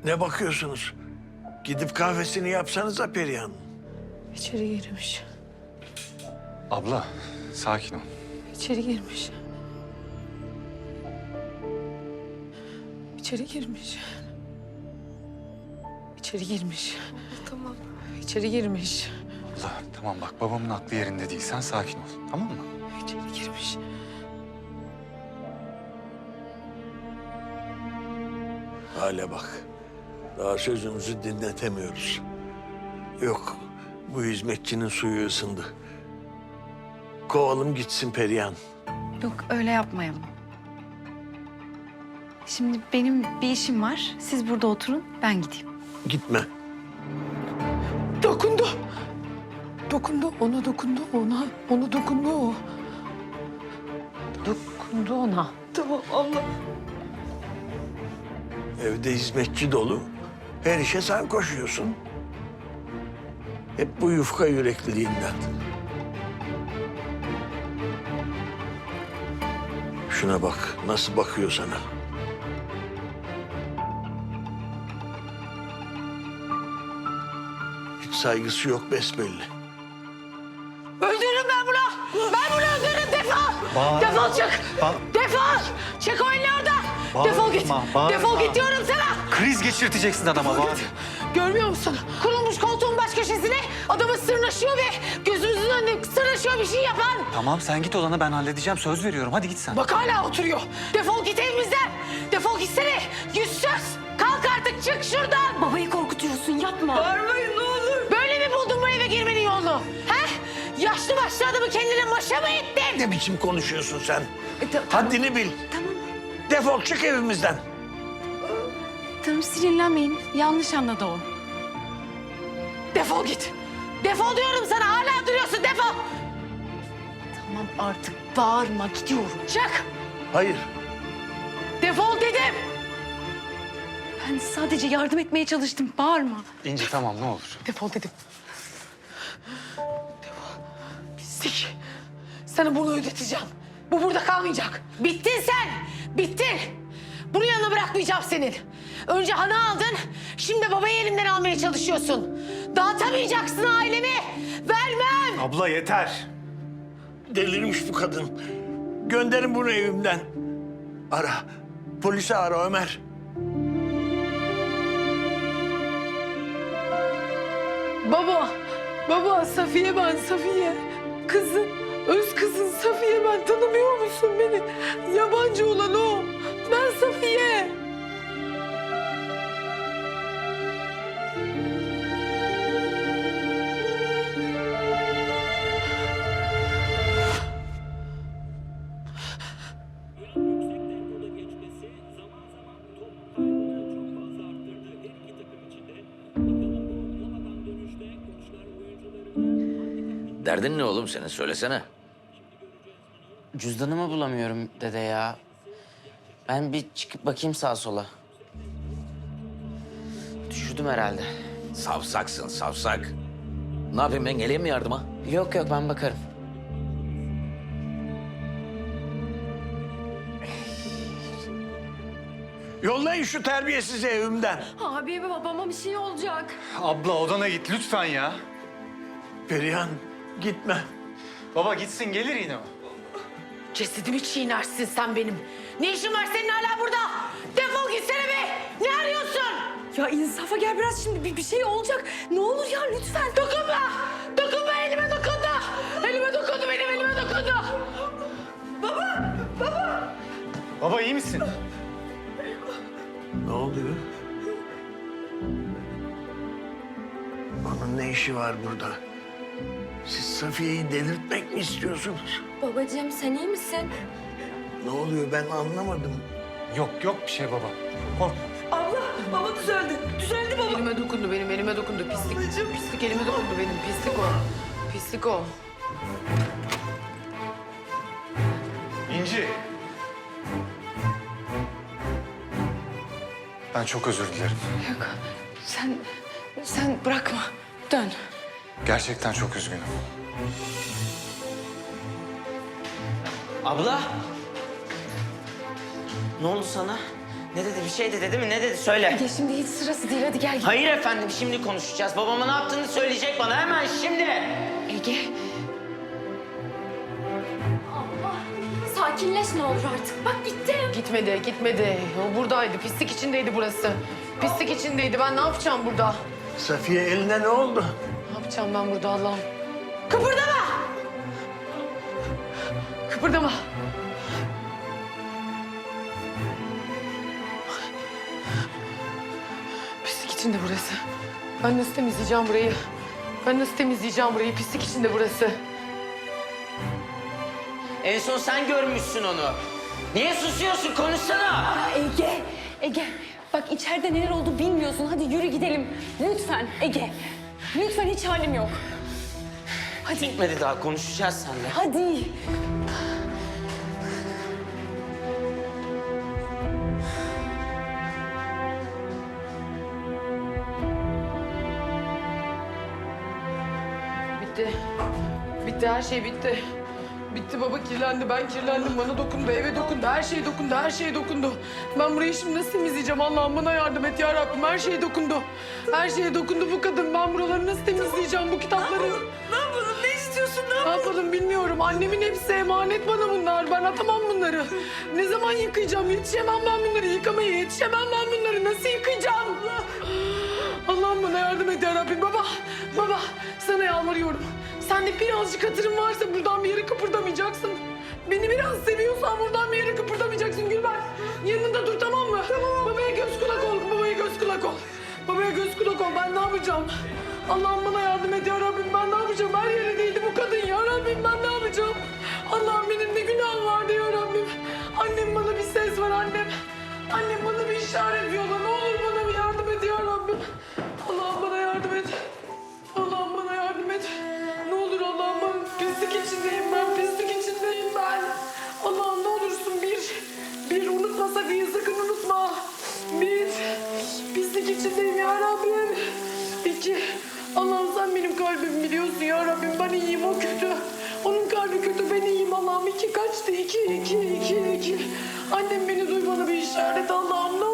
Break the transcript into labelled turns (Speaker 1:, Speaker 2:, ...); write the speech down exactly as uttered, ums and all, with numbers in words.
Speaker 1: Ne bakıyorsunuz? Gidip kahvesini yapsanıza Perihan.
Speaker 2: İçeri girmiş.
Speaker 3: Abla, sakin ol.
Speaker 2: İçeri girmiş. İçeri girmiş. İçeri girmiş. Tamam. İçeri girmiş.
Speaker 3: Abla, tamam bak babamın aklı yerinde değil. Sen sakin ol, tamam mı?
Speaker 2: İçeri girmiş.
Speaker 1: Hale bak. Daha sözümüzü dinletemiyoruz. Yok, bu hizmetçinin suyu ısındı. Kovalım gitsin Perihan.
Speaker 4: Yok öyle yapmayalım. Şimdi benim bir işim var. Siz burada oturun, ben gideyim.
Speaker 1: Gitme.
Speaker 2: Dokundu. Dokundu, ona dokundu, ona. Ona dokundu o. Dokundu ona. Tamam Allah.
Speaker 1: Evde hizmetçi dolu. Her işe sen koşuyorsun. Hep bu yufka yürekliliğinden. Şuna bak, nasıl bakıyor sana. Hiç saygısı yok besbelli.
Speaker 2: Öldürürüm ben bunu. Ben bunu öldürürüm. Defol.
Speaker 3: Bağır.
Speaker 2: Defol çık.
Speaker 3: Bağır.
Speaker 2: Defol. Çek o elini oradan.
Speaker 3: Bağırma,
Speaker 2: Defol git.
Speaker 3: bağırma.
Speaker 2: Defol git diyorum sana.
Speaker 3: Kriz geçirteceksin adama bak.
Speaker 2: Görmüyor musun? Kurulmuş koltuğun baş köşesine adamı sırnaşıyor ve gözümüzün önünde sırnaşıyor bir şey yapan.
Speaker 3: Tamam sen git odana ben halledeceğim. Söz veriyorum. Hadi git sen.
Speaker 2: Bak hala oturuyor. Defol git evimizden. Defol gitsene. Yüzsüz. Kalk artık çık şuradan.
Speaker 4: Babayı korkutuyorsun, yapma.
Speaker 2: Bağırmayın ne olur. Böyle mi buldun bu eve girmenin yolunu? He? Yaşlı başlı adamı kendine maşa mı ettin?
Speaker 1: Ne biçim konuşuyorsun sen?
Speaker 4: E, ta-
Speaker 1: Haddini bil.
Speaker 4: Tamam,
Speaker 1: Defol çık evimizden.
Speaker 4: tamam sinirlenmeyin. Yanlış anladı o.
Speaker 2: Defol git. Defol diyorum sana. Hala duruyorsun. Defol.
Speaker 4: Tamam artık bağırma, gidiyorum.
Speaker 2: Çık.
Speaker 1: Hayır.
Speaker 2: Defol dedim.
Speaker 4: Ben sadece yardım etmeye çalıştım, bağırma.
Speaker 3: İnci tamam ne olur.
Speaker 2: Defol dedim. Defol. Pislik. Sana bunu ödeteceğim. Bu burada kalmayacak. Bittin sen. Bittin. Bunu yanına bırakmayacağım senin. Önce Han'ı aldın. Şimdi babayı elimden almaya çalışıyorsun. Dağıtamayacaksın ailemi. Vermem.
Speaker 3: Abla yeter.
Speaker 1: Delirmiş bu kadın. Gönderin bunu evimden. Ara. Polisi ara Ömer.
Speaker 2: Baba. Baba Safiye ben Safiye. Kızın. Öz kızın Safiye ben. Tanımıyor musun beni? Yabancı olan o. Ben Safiye.
Speaker 5: Yüksek tempoda geçmesi zaman zaman top kaybını çok fazla arttırdı her iki takım içinde. Bakalım gol bulamadan dönüşte koçlar oyuncularını
Speaker 6: Derdin ne oğlum senin? Söylesene.
Speaker 7: Cüzdanımı bulamıyorum dede ya. Ben bir çıkıp bakayım sağa sola. Düşürdüm herhalde.
Speaker 6: Savsaksın, savsak. Ne yapayım ben geleyim mi yardıma?
Speaker 7: Yok yok ben bakarım.
Speaker 1: Yollayın şu terbiyesizi evimden.
Speaker 4: Abi babama bir şey olacak.
Speaker 3: Abla odana git lütfen ya.
Speaker 1: Perihan gitme.
Speaker 3: Baba gitsin gelir yine o.
Speaker 2: Cesedimi çiğnersin sen benim. Ne işin var senin hala burada? Defol gitsene be. Ne arıyorsun?
Speaker 4: Ya insafa gel biraz, şimdi bir, bir şey olacak. Ne olur ya lütfen.
Speaker 2: Dokunma. Dokunma elime dokundu. Elime dokundu benim elime dokundu.
Speaker 3: Baba iyi misin?
Speaker 1: Ne oluyor? Onun ne işi var burada? Siz Safiye'yi delirtmek mi istiyorsunuz?
Speaker 8: Babacığım sen iyi misin?
Speaker 1: Ne oluyor ben anlamadım.
Speaker 3: Yok yok bir şey baba. Korkma.
Speaker 8: Baba düzeldi. Düzeldi baba.
Speaker 2: Elime dokundu benim elime dokundu. Pislik. Pislik elime dokundu benim. Pislik o. Pislik o.
Speaker 3: İnci. Ben çok özür dilerim.
Speaker 2: Yok. Sen sen bırakma. Dön.
Speaker 3: Gerçekten çok üzgünüm.
Speaker 7: Abla. Ne oldu sana? Ne dedi? Bir şey dedi değil mi? Ne dedi? Söyle.
Speaker 4: Ege şimdi hiç sırası değil, hadi gel.
Speaker 7: Hayır efendim, şimdi konuşacağız. Babama ne yaptığını söyleyecek bana hemen şimdi.
Speaker 4: Ege.
Speaker 8: Allah. Sakinleş ne olur artık. Bak gittim.
Speaker 2: Gitmedi, gitmedi. O buradaydı. Pislik içindeydi burası. Pislik içindeydi. Ben ne yapacağım burada?
Speaker 1: Safiye eline ne oldu?
Speaker 2: Ne yapacağım ben burada Allah'ım? Kıpırdama! Kıpırdama. Pislik içinde burası. Ben nasıl temizleyeceğim burayı? Ben nasıl temizleyeceğim burayı? Pislik içinde burası.
Speaker 7: En son sen görmüşsün onu. Niye susuyorsun? Konuşsana.
Speaker 4: Aa, Ege, Ege. Bak içeride neler oldu bilmiyorsun. Hadi yürü gidelim. Lütfen Ege. Lütfen, hiç halim yok. Hadi,
Speaker 7: Bitmedi daha, konuşacağız seninle.
Speaker 4: hadi.
Speaker 2: Bitti. Bitti, her şey bitti. Bitti baba, kirlendi, ben kirlendim, bana dokundu, eve dokundu, her şey dokundu, her şey dokundu. Ben burayı şimdi nasıl temizleyeceğim? Allah'ım bana yardım et ya Rabbim, her şey dokundu. Her şeye dokundu bu kadın, ben buraları nasıl temizleyeceğim, bu kitapları?
Speaker 8: Ne yapalım? Ne istiyorsun? Ne
Speaker 2: Ne yapalım bilmiyorum, annemin hepsi emanet bana bunlar, ben atamam bunları. Ne zaman yıkayacağım, yetişemem ben bunları yıkamaya, yetişemem ben bunları, nasıl yıkayacağım? Allah'ım bana yardım et ya Rabbim. Baba, baba sana yalvarıyorum. Sende birazcık hatırın varsa buradan bir yere kıpırdamayacaksın. Beni biraz seviyorsan buradan bir yere kıpırdamayacaksın Gülben. Yanında dur, tamam mı? Tamam. Babaya göz kulak ol, babaya göz kulak ol. Babaya göz kulak ol, ben ne yapacağım? Allah'ım bana yardım et ya Rabbim, ben ne yapacağım? Her yere değdi bu kadın ya Rabbim, ben ne yapacağım? Allah'ım benim ne günahım vardı ya Rabbim. Annem, bana bir ses var annem. Annem bana bir işaret yolla, ne olur bana bir yardım et ya Rabbim. Allah'ım bana yardım et. Allah'ım bana yardım et. Ne olur Allah'ım, ben pislik içindeyim ben, pislik içindeyim ben. Allah'ım ne olursun bir, bir unutma Safiye'yi, sakın unutma. Bir, pislik içindeyim ya Rabbim. İki, Allah'ım sen benim kalbimi biliyorsun ya Rabbim, ben iyiyim, o kötü. Onun kalbi kötü, ben iyiyim Allah'ım. İki kaçtı, iki, iki, iki, iki. Annem beni duy, bana bir işaret Allah'ım, ne